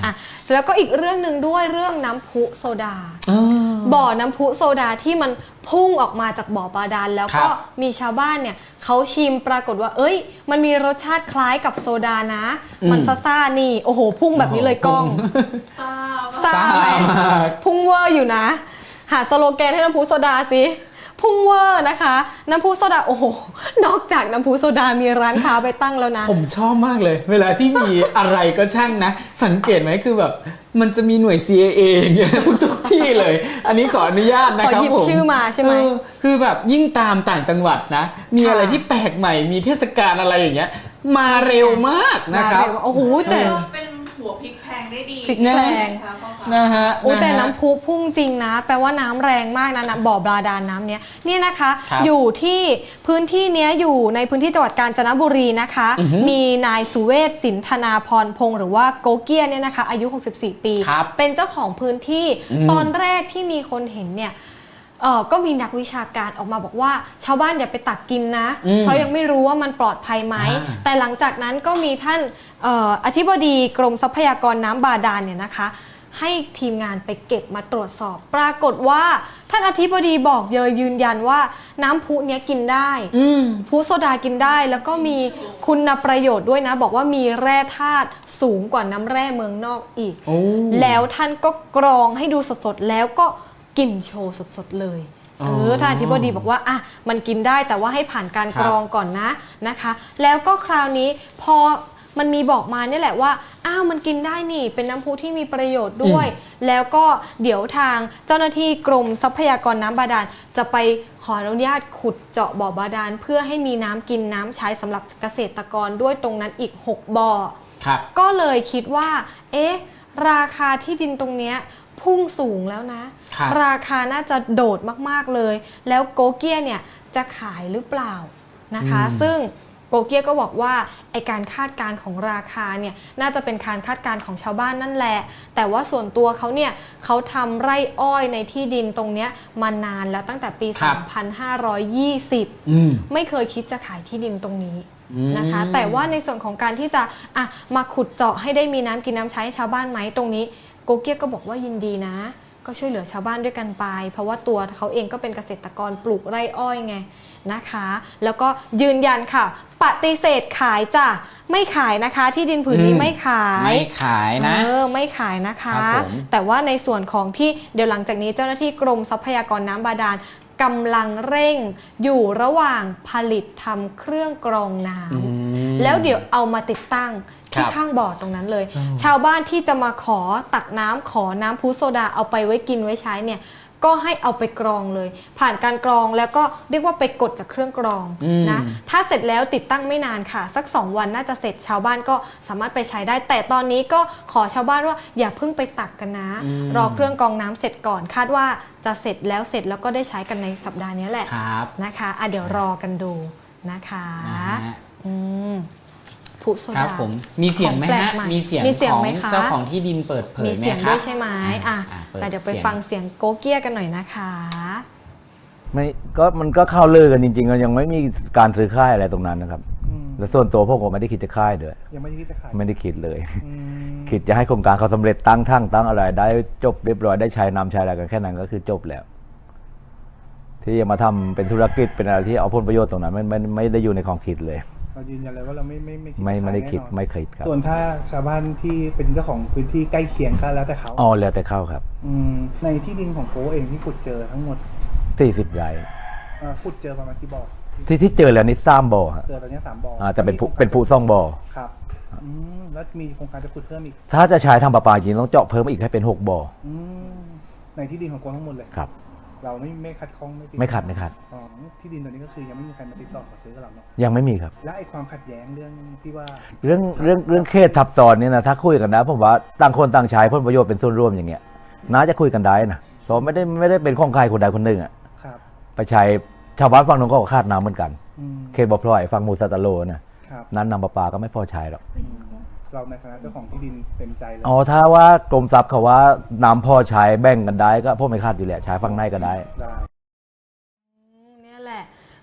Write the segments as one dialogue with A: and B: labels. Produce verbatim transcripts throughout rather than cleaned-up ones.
A: อ่ะแล้วก็อีกเรื่องหนึ่งด้วยเรื่องน้ำพุโซดาบ่อน้ำพุโซดาที่มันพุ่งออกมาจากบ่อบาดาลแล้วก็มีชาวบ้านเนี่ยเขาชิมปรากฏว่าเอ้ยมันมีรสชาติคล้ายกับโซดานะมันซ่าๆนี่โอ้โหพุ่งแบบนี้เลยกล้องซ่าซ่าไหมพุ่งเวอร์อยู่นะหาสโลแกนให้น้ำพุโซดาสิพุ่งเวอร์นะคะน้ำพุโซดาโอ้โหนอกจากน้ำพุโซดามีร้านค้าไปตั้งแล้วนะ
B: ผมชอบมากเลยเวลาที่มีอะไรก็ช่างนะสังเกตไหมคือแบบมันจะมีหน่วย ซี ไอ เอ อย่างเงี้ยทุกๆที่เลยอันนี้ขออนุญาตนะครับผมขอหยิบ
A: ชื่อมาใช่ไหม
B: คือแบบยิ่งตามต่างจังหวัดนะมีอะไรที่แปลกใหม่มีเทศกาลอะไรอย่างเงี้ยมาเร็วมากนะครับ
A: โอ้โหแต่
C: เป็นหัวพริกแพงได้ดี
A: พริกแพง
B: นะฮะ
A: โอ้แต่น้ำพุพุ่งจริงนะแปลว่าน้ำแรงมากนะนะบ่อบาดาลน้ำเนี้ยเนี่ยนะคะอยู่ที่พื้นที่เนี้ยอยู่ในพื้นที่จังหวัดกาญจนบุรีนะคะมีนายสุเวศสินธนาพรพงศ์หรือว่าโกเกียเนี่ยนะคะอายุหกสิบสี่ปีเป็นเจ้าของพื้นที่ตอนแรกที่มีคนเห็นเนี่ยเออก็มีนักวิชาการออกมาบอกว่าชาวบ้านอย่าไปตักกินนะเพราะยังไม่รู้ว่ามันปลอดภัยไหมแต่หลังจากนั้นก็มีท่านอออธิบดีกรมทรัพยากรน้ำบาดาลเนี่ยนะคะให้ทีมงานไปเก็บมาตรวจสอบปรากฏว่าท่านอธิบดีบอกเลยยืนยันว่าน้ำพุเนี้ยกินได้พุโซดากินได้แล้วก็มีคุณประโยชน์ด้วยนะบอกว่ามีแร่ธาตุสูงกว่าน้ำแร่เมืองนอกอีกแล้วท่านก็กรองให้ดูสดๆแล้วก็กินโชว์สดๆเลยเออท่านอธิบดีบอกว่าอ่ะมันกินได้แต่ว่าให้ผ่านการกรองก่อนนะนะคะแล้วก็คราวนี้พอมันมีบอกมาเนี่ยแหละว่าอ้าวมันกินได้นี่เป็นน้ำพุที่มีประโยชน์ด้วยแล้วก็เดี๋ยวทางเจ้าหน้าที่กรมทรัพยากรน้ำบาดาลจะไปขออนุญาตขุดเจาะบ่อบาดาลเพื่อให้มีน้ำกินน้ำใช้สำหรับเกษตรกรด้วยตรงนั้นอีกหกบ่อก็เลยคิดว่าเอ๊ะราคาที่ดินตรงเนี้ยพุ่งสูงแล้วนะราคาน่าจะโดดมากๆเลยแล้วโกเกียเนี่ยจะขายหรือเปล่านะคะซึ่งโกเกียก็บอกว่าไอการคาดการณ์ของราคาเนี่ยน่าจะเป็นการคาดการณ์ของชาวบ้านนั่นแหละแต่ว่าส่วนตัวเขาเนี่ยเขาทำไร่อ้อยในที่ดินตรงเนี้ยมานานแล้วตั้งแต่ปี สองพันห้าร้อยยี่สิบ ไม่เคยคิดจะขายที่ดินตรงนี้นะคะแต่ว่าในส่วนของการที่จะอ่ะมาขุดเจาะให้ได้มีน้ำกินน้ำใช้ชาวบ้านไหมตรงนี้โกเกียก็บอกว่ายินดีนะก็ช่วยเหลือชาวบ้านด้วยกันไปเพราะว่าตัวเขาเองก็เป็นเกษตรกรปลูกไร่อ้อยไงนะคะแล้วก็ยืนยันค่ะปฏิเสธขายจ้ะไม่ขายนะคะที่ดินผืนนี้ไม่ขาย
B: ไม่ขายนะ
A: เออไม่ขายนะคะแต่ว่าในส่วนของที่เดี๋ยวหลังจากนี้เจ้าหน้าที่กรมทรัพยากรน้ำบาดาลกำลังเร่งอยู่ระหว่างผลิตทำเครื่องกรองน้ำแล้วเดี๋ยวเอามาติดตั้งที่ข้างบ่อตรงนั้นเลยชาวบ้านที่จะมาขอตักน้ำขอน้ำพุโซดาเอาไปไว้กินไว้ใช้เนี่ยก็ให้เอาไปกรองเลยผ่านการกรองแล้วก็เรียกว่าไปกดจากเครื่องกรองนะถ้าเสร็จแล้วติดตั้งไม่นานค่ะสักสองวันน่าจะเสร็จชาวบ้านก็สามารถไปใช้ได้แต่ตอนนี้ก็ขอชาวบ้านว่าอย่าเพิ่งไปตักกันนะรอเครื่องกรองน้ำเสร็จก่อนคาดว่าจะเสร็จแล้วเสร็จแล้วก็ได้ใช้กันในสัปดาห์นี้แหละนะคะอ่ะเดี๋ยวรอกันดูนะคะอืม
B: ครับผมมีเสียงไหมฮะมีเสียงของเจ้าของที่ดินเปิดเผยไหมครับมีเสียง
A: ด้วยใช่ไหมอ่ะแต่เดี๋ยวไปฟังเสียงโกเกียกันหน่อยนะคะ
D: ไม่ก็มันก็เข้าเลือกันจริงๆก็ยังไม่มีการซื้อค่ายอะไรตรงนั้นนะครับและส่วนตัวพวกผมไม่ได้คิดจะค่ายด้วย
E: ยังไม่ได้คิดจะค่าย
D: ไม่ได้คิดเลยคิดจะให้โครงการเขาสำเร็จตั้งทั้งตั้งอะไรได้จบเรียบร้อยได้ใช้นำใช้อะไรกันแค่นั้นก็คือจบแล้วที่จะมาทำเป็นธุรกิจเป็นอะไรที่เอาผลประโยชน์ตรงนั้นไม่ไม่ไม่ได้อยู่ในความคิดเลย
E: เรายืนยันเลยว่าเราไม่ไม่ไม่
D: ไม่ไม่ได้คิดไม่เคยครับ
E: ส่วนถ้าชาวบ้านที่เป็นเจ้าของพื้นที่ใกล้เคียงก็แล้วแต่เขา
D: อ๋อแล้วแต่เขาครับ
E: อืมในที่ดินของโก้เองที่ขุดเจอทั้งหมด
D: สี่สิบไร่
E: ขุดเจอประมาณกี่บ่อ
D: ที่ที่เจอแล้วนี่สามบ่อครับ
E: เจอตอนนี้สามบ่อ
D: อ่าแต่เป็นผู้เป็นผู้ซ่องบ่อ
E: ครับอืมแล้วมีโครงการจะขุดเพิ่มอีก
D: ถ้าจะใช้ทำประปาจริงต้องเจาะเพิ่มอีกให้เป็นหกบ่อ
E: อืมในที่ดินของโก้ทั้งหมดเลย
D: ครับ
E: เราไม่ไม่คัดข้อง
D: ไม่ไม่ขัดไม่ขัด
E: อ๋อที่ดินตัวนี้ก็คือยังไม่มีใครมาติดต่อขอซื้อกับเราเนาะ
D: ยังไม่มีครับ
E: และไอ้ความขัดแย้งเรื่องที่ว่า
D: เรื่องเรื่องเรื่องเขตทับซ้อนเนี่ยนะถ้าคุยกันนะผมว่าต่างคนต่างใช้ผลประโยชน์เป็นส่วนร่วมอย่างเงี้ยน่าจะคุยกันได้นะเพราะไม่ได้ไม่ได้เป็นของใครคนใดคนหนึ่งอ่ะไปใช้ชาวบ้านฝั่งนู้นก็ขาดน้ำเหมือนกันเขตบ่อพลอยฝั่งมูซาตาโลนะนั้นนำประปาก็ไม่พอใช้หรอก
E: เราในฐานะเจ้าของที่ดินเต็มใจเลย
D: อ๋อถ้าว่ากรมทรัพย์เขาว่าน้ำพอใช้แบ่งกันได้ก็พวกไม่ขาดอยู่แหละใช้ฝั่งในก็ได้
A: นี่แหละ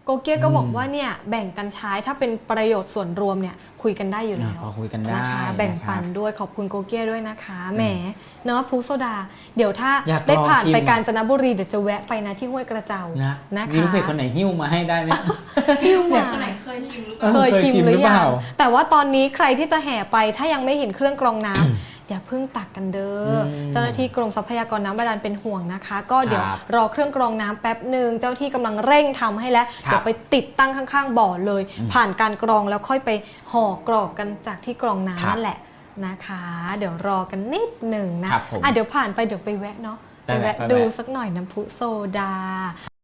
A: โกเกียก็บอกว่าเนี่ยแบ่งกันใช้ถ้าเป็นประโยชน์ส่วนรวมเนี่ยคุยกันได้อยู่แล้ว
B: พอคุยกันได้
A: นะคะแบ่งปันด้วยขอบคุณโกเกียด้วยนะคะแหมเนาะพูโซดา เดี๋ยวถ้า
B: อยากลอง
A: ได้ผ่าน
B: ชิม
A: ไปกาญจนบุรีเดี๋ยวจะแวะไปนะที่ห้วยกระเจ้า
B: นะ
A: นะคะ
B: มีลูกเพจคนไหนหิ้วมาให้ได้ไหม
A: หิ้วมา
C: คนไหนเคยชิมหรือเปล่า
A: เคยชิม
B: เคยชิม
A: หรือ
B: หรือเป
A: ยั
B: ล่า
A: งแต่ว่าตอนนี้ใครที่จะแห่ไปถ้ายังไม่เห็นเครื่องกรองน้ำ อย่าเพิ่งตักกันเด้ออ
B: ม
A: เจ้าหน้าที่กรมทรัพยากรน้ำบาดาลเป็นห่วงนะคะ ก็เดี๋ยว
B: ครับ
A: รอเครื่องกรองน้ำแป๊บหนึ่งเจ้าที่กำลังเร่งทำให้แล้ว
B: ครับ
A: เดี๋ยวไปติดตั้งข้างๆบ่อเลย ผ่านการกรองแล้วค่อยไปห่อกรอกกันจากที่กรองน้ำนั่นแหละนะคะ เดี๋ยวรอกันนิดหนึ่งนะครับ
B: ผม
A: อ่ะเดี๋ยวผ่านไปเดี๋ยวไปแวะเนาะ
B: ได้
A: ไป
B: แวะ
A: แวะ
B: ไปแวะ
A: ดูสักหน่อยน้ำพุโซดา